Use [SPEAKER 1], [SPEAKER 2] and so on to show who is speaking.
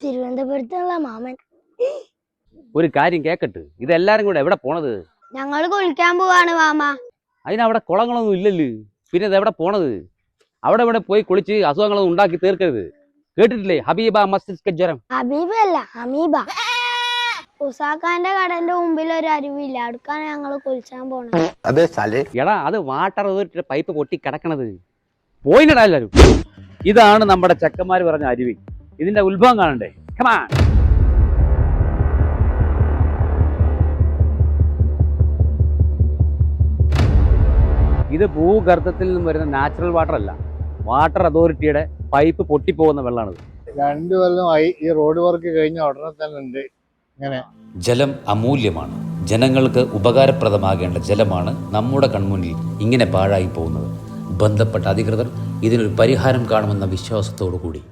[SPEAKER 1] തിരുവനന്തപുരത്തുള്ള മാമൻ.
[SPEAKER 2] ഒരു കാര്യം കേക്കട്ട്, ഇതെല്ലാരും കൂടെ എവിടെ പോണത്?
[SPEAKER 1] ഞങ്ങൾ കുളിക്കാൻ പോവാണ് മാമ.
[SPEAKER 2] അതിനവിടെ കുളങ്ങളൊന്നും ഇല്ലല്ലോ, പിന്നെ ഇത് എവിടെ പോണത്? അവിടെ ഇവിടെ പോയി കുളിച്ച് അസുഖങ്ങളൊന്നും ഉണ്ടാക്കി തീർക്കരുത്. കേട്ടിട്ടില്ലേ ഹബീബ മസ്തിഷ്ക ജ്വരം?
[SPEAKER 1] ഹബീബ അല്ല ഹമീബ. ഉസാഖാന്റെ കടന്റെ മുമ്പിൽ ഒരു അരുവില്ല, അടുക്കാണ് ഞങ്ങൾ കുളിച്ചാൻ പോണത്.
[SPEAKER 2] എടാ, അത് വാട്ടർ അതോറിറ്റിയുടെ പൈപ്പ് പൊട്ടി കിടക്കണത്. പോയില്ലടാ എല്ലാരും. ഇതാണ് നമ്മുടെ ചെക്കന്മാര് പറഞ്ഞ അരുവി. ഇതിന്റെ ഉത്ഭവം കാണണ്ടേ? കമാൺ. ഇത് ഭൂഗർഭത്തിൽ നിന്നും വരുന്ന നാച്ചുറൽ വാട്ടർ അല്ല, വാട്ടർ അതോറിറ്റിയുടെ പൈപ്പ് പൊട്ടിപ്പോകുന്ന വെള്ളമാണിത്.
[SPEAKER 3] 2 കൊല്ലമായി ഈ റോഡ് വർക്ക് കഴിഞ്ഞ ഉടനെ തന്നെ ഉണ്ട് ഇങ്ങനെ.
[SPEAKER 4] ജലം അമൂല്യമാണ്. ജനങ്ങൾക്ക് ഉപകാരപ്രദമാകേണ്ട ജലമാണ് നമ്മുടെ കൺമുന്നിൽ ഇങ്ങനെ പാഴായി പോകുന്നത്. ബന്ധപ്പെട്ട അധികൃതർ ഇതിനൊരു പരിഹാരം കാണുമെന്ന വിശ്വാസത്തോടു കൂടി